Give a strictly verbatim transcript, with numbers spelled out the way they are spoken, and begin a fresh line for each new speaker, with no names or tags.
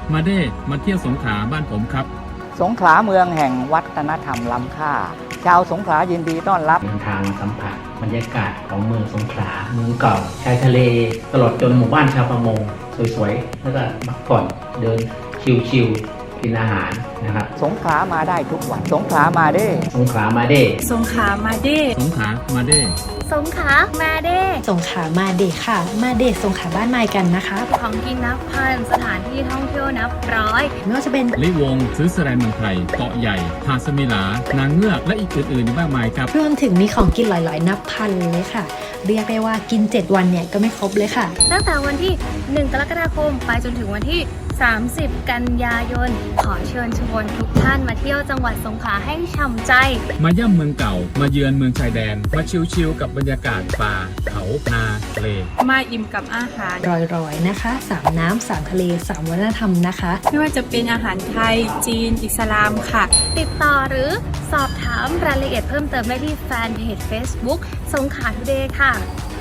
มาเด้มาเที่ยวสงขลาบ้านผมครับ
สงขลาเมืองแห่งวัฒนธรรมล้ำค่าชาวสงขลายินดีต้อนรับ
เดินทางสัมผัสบรรยากาศของเมืองสงขลาเมืองเก่าชายทะเลตลอดจนหมู่บ้านชาวประมงสวยๆแล้วก็พักผ่อนเดินชิลๆกินอาหารนะครับ
สงขลามาได้ทุกวันสงขลามาเด้
สงขลามาเด้
สงขลามาเด้
สงขลามาเด้
สงขลามาเด้
สงขลามาเด้ค่ะมาเด้สงขลาบ้านไม้กันนะคะ
ของกินนับพันสถานที่ท่องเที่ยวนับร้อย
ไม่ว่าจะเป็น
ลิวงซื้อสแลนเมืองไทยเกาะใหญ่หาดสมิลานางเงือกและอีกอื่นๆมากมายครับ
รวมถึงมีของกินหลายๆนับพันเลยค่ะเรียกได้ว่ากินเจ็ดวันเนี่ยก็ไม่ครบเลยค่ะ
ตั้งแต่วันที่หนึ่งกรกฎาคมไปจนถึงวันที่สามสิบกันยายนขอเชิญชวนทุกท่านมาเที่ยวจังหวัดสงขลาให้ฉ่ำใจ
มาย่ำเมืองเก่ามาเยือนเมืองชายแดนมาชิลๆกับบรรยากาศป่าเขานาทะเล
มาอิ่มกับอาหาร
รอยๆนะคะสามน้ำสามทะเลสามวัฒนธรรมนะคะ
ไม่ว่าจะเป็นอาหารไทยจีนอิสลามค่ะติดต่อหรือสอบถามรายละเอียดเพิ่มเติมได้ที่แฟนเพจ Facebook สงขลาทูเดย์ค่ะ